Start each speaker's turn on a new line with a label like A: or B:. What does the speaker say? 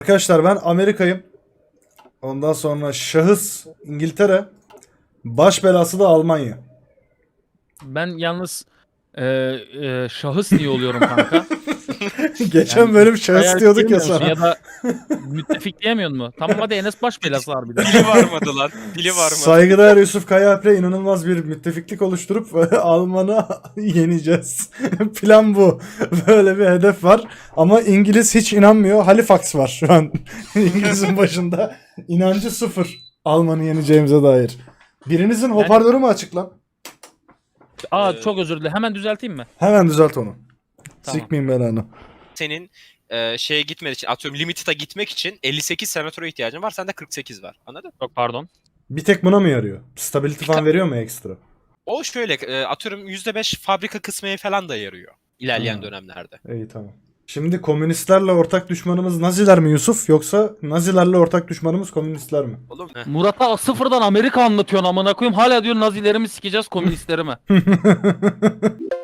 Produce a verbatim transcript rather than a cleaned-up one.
A: Arkadaşlar ben Amerika'yım. Ondan sonra şahıs İngiltere. Baş belası da Almanya.
B: Ben yalnız e, e, şahıs niye oluyorum kanka?
A: Geçen
B: Yani
A: bölüm şahıs
B: hayal
A: diyorduk ya
B: diyemiyor musun?
A: sana.
B: Ya da müttefik diyemiyor mu? Tamam hadi Enes baş belası harbiden.
C: Dili varmadı lan. Dili varmadı.
A: Saygıdeğer Yusuf Kayaalp'le inanılmaz bir müttefiklik oluşturup Alman'ı yeneceğiz. Plan bu. Böyle bir hedef var. Ama İngiliz hiç inanmıyor. Halifax var şu an. İngiliz'in başında. İnancı sıfır. Alman'ı yeneceğimize dair. Birinizin hoparlörü mü açık lan?
B: Aa
C: Ee,
B: çok özür dilerim. Hemen düzelteyim mi?
A: Hemen düzelt onu.
B: Tamam.
A: Sikmeyeyim belanı.
C: Senin e, şeye gitmek için, atıyorum Limited'a gitmek için elli sekiz senatöre ihtiyacın var. Sende kırk sekiz var. Anladın?
B: Çok pardon.
A: Bir tek buna mı yarıyor? Stability falan veriyor mu ekstra?
C: O şöyle e, atıyorum yüzde beş fabrika kısmına falan da yarıyor ilerleyen
A: Ha.
C: dönemlerde.
A: İyi tamam. Şimdi komünistlerle ortak düşmanımız Naziler mi Yusuf? Yoksa Nazilerle ortak düşmanımız komünistler mi?
C: Oğlum heh.
B: Murat'a sıfırdan Amerika anlatıyorsun amına koyayım. Hala diyor Nazilerimi sikeceğiz komünistlerimi.